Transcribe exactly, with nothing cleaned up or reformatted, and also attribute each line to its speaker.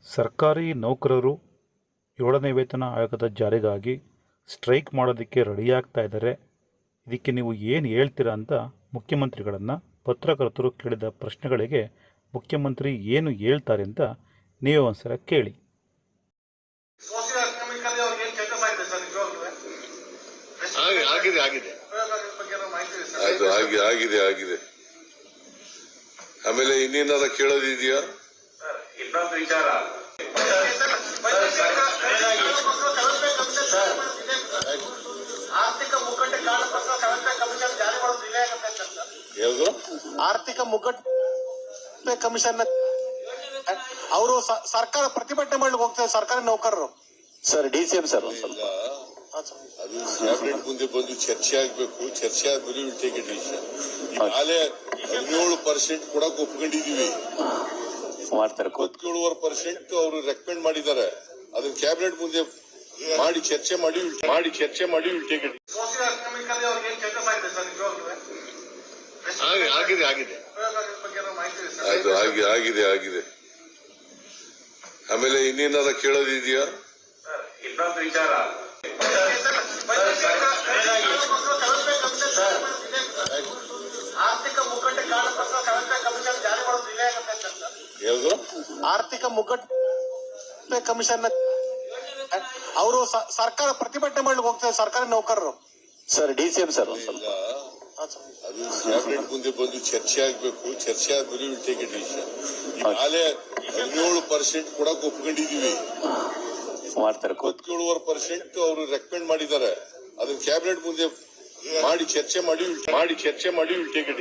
Speaker 1: ಸರ್ಕಾರಿ ನೌಕರರು ಏಳನೇ ವೇತನ ಆಯೋಗದ ಜಾರಿಗಾಗಿ ಸ್ಟ್ರೈಕ್ ಮಾಡೋದಕ್ಕೆ ರೆಡಿಯಾಗ್ತಾ ಇದ್ದಾರೆ. ಇದಕ್ಕೆ ನೀವು ಏನು ಹೇಳ್ತೀರಾ ಅಂತ ಮುಖ್ಯಮಂತ್ರಿಗಳನ್ನು ಪತ್ರಕರ್ತರು ಕೇಳಿದ ಪ್ರಶ್ನೆಗಳಿಗೆ ಮುಖ್ಯಮಂತ್ರಿ ಏನು ಹೇಳ್ತಾರೆ ಅಂತ ನೀವೇ ಒಂದ್ಸಲ ಕೇಳಿ.
Speaker 2: ಆಗಿದೆ ಆಗಿದೆ ಅದು ಆಗಿ ಆಗಿದೆ ಆಗಿದೆ ಆಮೇಲೆ ಇನ್ನೇನಾರ ಕೇಳೋದಿದೆಯಾ?
Speaker 3: ಇನ್ನೊಂದು ವಿಚಾರ, ಆರ್ಥಿಕ ಮುಗ್ಗಟ್ಟೆ ಕಾರಣಕ್ಕೋಸ್ಕರ ಸೆವೆಂತ್ ಕಮಿಷನ್ ಜಾರಿ ಮಾಡೋದು ಡಿಲೇ ಆಗುತ್ತೆ ಅಂತ.
Speaker 2: ಯಾವುದು
Speaker 3: ಆರ್ಥಿಕ ಮುಗ್ಗಟ್ಟೆ ಕಮಿಷನ್ ಅವರು ಸರ್ಕಾರ ಪ್ರತಿಭಟನೆ ಮಾಡ್ಲಿಕ್ಕೆ ಹೋಗ್ತಾರೆ ಸರ್ಕಾರಿ ನೌಕರರು.
Speaker 4: Sir D C M sir
Speaker 2: ಅದು ಕ್ಯಾಬಿನೆಟ್ ಮುಂದೆ ಬಂದು ಚರ್ಚೆ ಆಗ್ಬೇಕು. ಚರ್ಚೆ ಆದ್ಮೇಲೆ ವಿಲ್ ಟೇಕ್ ಎ ಡಿಸಿಷನ್. ಈಗಾಗಲೇ ಹದಿನೇಳು ಪರ್ಸೆಂಟ್ ಕೊಡಕ್ ಒಪ್ಕೊಂಡಿದೀವಿ.
Speaker 4: ಮಾಡ್ತಾರೆ
Speaker 2: ಇಪ್ಪತ್ತೇಳುವರೆ ಪರ್ಸೆಂಟ್ ಅವರು ರೆಕಮೆಂಡ್ ಮಾಡಿದ್ದಾರೆ. ಅದನ್ನ ಕ್ಯಾಬಿನೆಟ್ ಮುಂದೆ ಮಾಡಿ ಚರ್ಚೆ ಮಾಡಿ ಮಾಡಿ ಚರ್ಚೆ ಮಾಡಿ ವಿಲ್ ಟೇಕ್ ಎ ಆಗಿದೆ ಆಗಿದೆ ಅದು ಆಗಿ ಆಗಿದೆ ಆಗಿದೆ ಆಮೇಲೆ ಇನ್ನೇನಾರ ಕೇಳೋದಿದೆಯಾ?
Speaker 3: ಇನ್ನೊಂದು ವಿಚಾರ, ಆರ್ಥಿಕ ಮುಗ್ಗಟ್ಟೆ ಕಾರಣಕ್ಕೋಸ್ಕರ ಸೆವೆಂತ್ ಕಮಿಷನ್ ಜಾರಿ ಮಾಡೋದು ಡಿಲೇ ಆಗುತ್ತೆ ಅಂತ.
Speaker 2: ಯಾವುದು
Speaker 3: ಆರ್ಥಿಕ ಮುಗ್ಗಟ್ಟೆ ಕಮಿಷನ್ ಅವರು ಸರ್ಕಾರ ಪ್ರತಿಭಟನೆ ಮಾಡ್ಲಿಕ್ಕೆ ಹೋಗ್ತಾರೆ ಸರ್ಕಾರಿ ನೌಕರರು.
Speaker 4: Sir D C M sir
Speaker 2: ಅದು ಕ್ಯಾಬಿನೆಟ್ ಮುಂದೆ ಬಂದು ಚರ್ಚೆ ಆಗ್ಬೇಕು. ಚರ್ಚೆ ಆದ್ಮೇಲೆ ವಿಲ್ ಟೇಕ್ ಎ ಡಿಸಿಷನ್. ಈಗಾಗಲೇ ಹದಿನೇಳು ಪರ್ಸೆಂಟ್ ಕೊಡಕ್ ಒಪ್ಕೊಂಡಿದೀವಿ.
Speaker 4: ಮಾಡ್ತಾರೆ
Speaker 2: ಇಪ್ಪತ್ತೇಳುವರೆ ಪರ್ಸೆಂಟ್ ಅವರು ರೆಕಮೆಂಡ್ ಮಾಡಿದ್ದಾರೆ. ಅದನ್ನ ಕ್ಯಾಬಿನೆಟ್ ಮುಂದೆ ಮಾಡಿ ಚರ್ಚೆ ಮಾಡಿ ಮಾಡಿ ಚರ್ಚೆ ಮಾಡಿ ವಿಲ್ ಟೇಕ್ ಎ